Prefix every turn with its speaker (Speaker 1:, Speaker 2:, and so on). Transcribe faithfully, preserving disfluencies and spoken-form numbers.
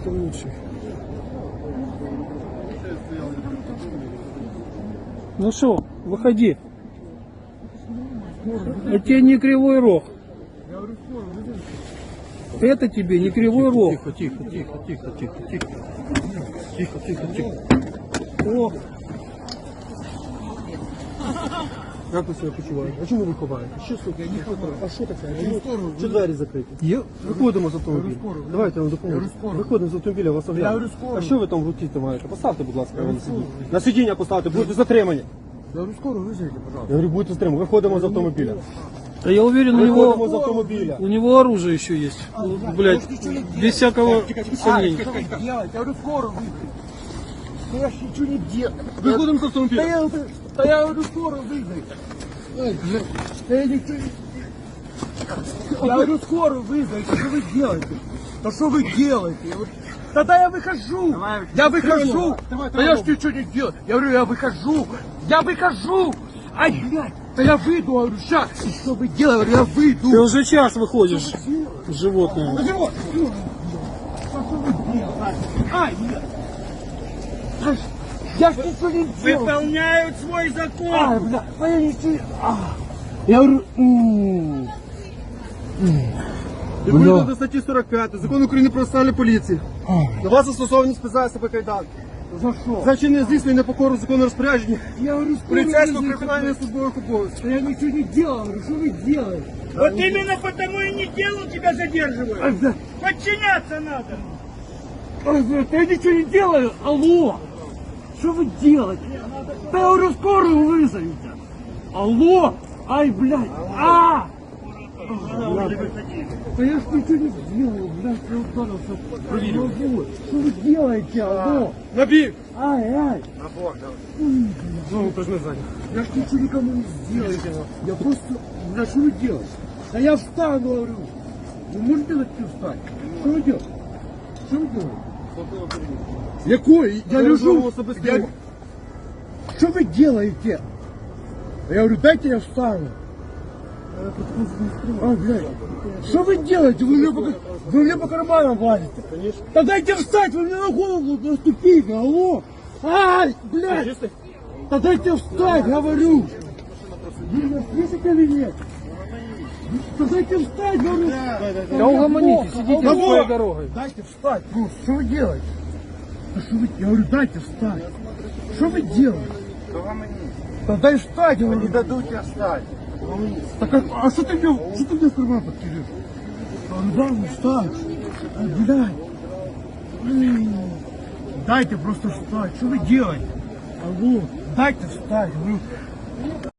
Speaker 1: Кто лучший? Ну что, выходи. Это тебе не кривой рог. Это тебе не кривой рог.
Speaker 2: Тихо, тихо, тихо, тихо, тихо, тихо. Тихо, тихо, тихо.
Speaker 1: О,
Speaker 2: Як ви себе почуваєте? А чому ви ховаєте? Що, сука, я не ховаю. А що таке? Чи двері закриті? Є? Виходимо з автомобіля. Давайте я вам допоможу. Виходимо з автомобіля, вас оглянемо. А що ви там в руці тримаєте? Поставте, будь ласка, на сидіння. На сидіння поставте, будете затримані.
Speaker 3: Я говорю, скоро вызовите, пожалуйста.
Speaker 2: Я говорю, будете затримані. Виходимо з автомобіля.
Speaker 1: да я уверен, у
Speaker 2: Виходимо з
Speaker 1: него,
Speaker 2: автомобіля.
Speaker 1: у него оружие еще есть. Блять, без всякого сомнения.
Speaker 3: Что вы делаете? Я говорю, скоро вызовите. Да я ж ничего не делаю.
Speaker 2: Виходимо з
Speaker 3: Да
Speaker 2: автомобіля.
Speaker 3: я, да я говорю, скоро вызовите. Ой, блядь, да я ничего не... Я говорю, скоро вызовите. Что вы делаете? Да что вы делаете? Я говорю, тогда я выхожу. Я выхожу. Да я ж ничего не делаю. Я говорю, я выхожу. Я выхожу. Ай, блядь. Да я выйду, говорю, сейчас. Что вы делаете? Я выйду.
Speaker 1: Ты уже час выходишь, животное.
Speaker 3: Вот. Ай, блядь. Ай, я ж ничего не делал.
Speaker 4: Выполняют свой закон.
Speaker 3: Ай, блядь, да я ничего... А. Я говорю... м.
Speaker 2: Відповідно до статті сорок п'ять Закону України про національну поліцію. На вас застосовані спеціальні себе кайданки.
Speaker 3: За что?
Speaker 2: За чинне здійснення непокору закону розпорядження
Speaker 3: Я говорю, скоро
Speaker 2: поліцейського
Speaker 3: вызовите.
Speaker 2: виконання службових обов'язків.
Speaker 3: Да я ничего не делал. Говорю, что вы делаете?
Speaker 4: Вот именно потому и не делал, тебя задерживают.
Speaker 3: Ай, блядь.
Speaker 4: Подчиняться надо.
Speaker 3: Ай, блядь, да я ничего не делаю. Алло. Что вы делаете? Да я говорю, скорую вызовите. Алло. Ай, блядь. А! Да я ж ничего не делаю, блядь, я ударился. Проверил. Что вы делаете, алло?
Speaker 2: На бік!
Speaker 3: Ай, ай.
Speaker 2: Ну, то ж не ззаді.
Speaker 3: Я ж ничего никому не сделаю. Я просто... Да что вы делаете? Да я встану, говорю. Вы можете дать встать? Что вы делаете? Что вы делаете? Якой? Я лежу. Я... Что вы делаете? Я говорю, дайте я встану. А, блядь. Что вы делаете? Вы мне по, вы мне по карманам лазите.
Speaker 2: Конечно.
Speaker 3: Да дайте встать, вы мне на голову наступите, алло. Ай, блядь. Да дайте встать, говорю. Вы меня слышите или нет? Да дайте встать, говорю.
Speaker 1: Да угомонитесь, идите
Speaker 3: Алло.
Speaker 1: своей дорогой.
Speaker 3: Дайте встать, ну, что вы делаете? Да что вы... Я говорю, дайте встать. Что вы делаете? Да дай встать, говорю. Не дадут тебе встать. Так, а, а что ты мне, что ты мне в карман подкидываешь? Да, ну встать. Ай, блядь. М. Дайте просто встать. Что вы делаете? Алло, дайте встать. Говорю.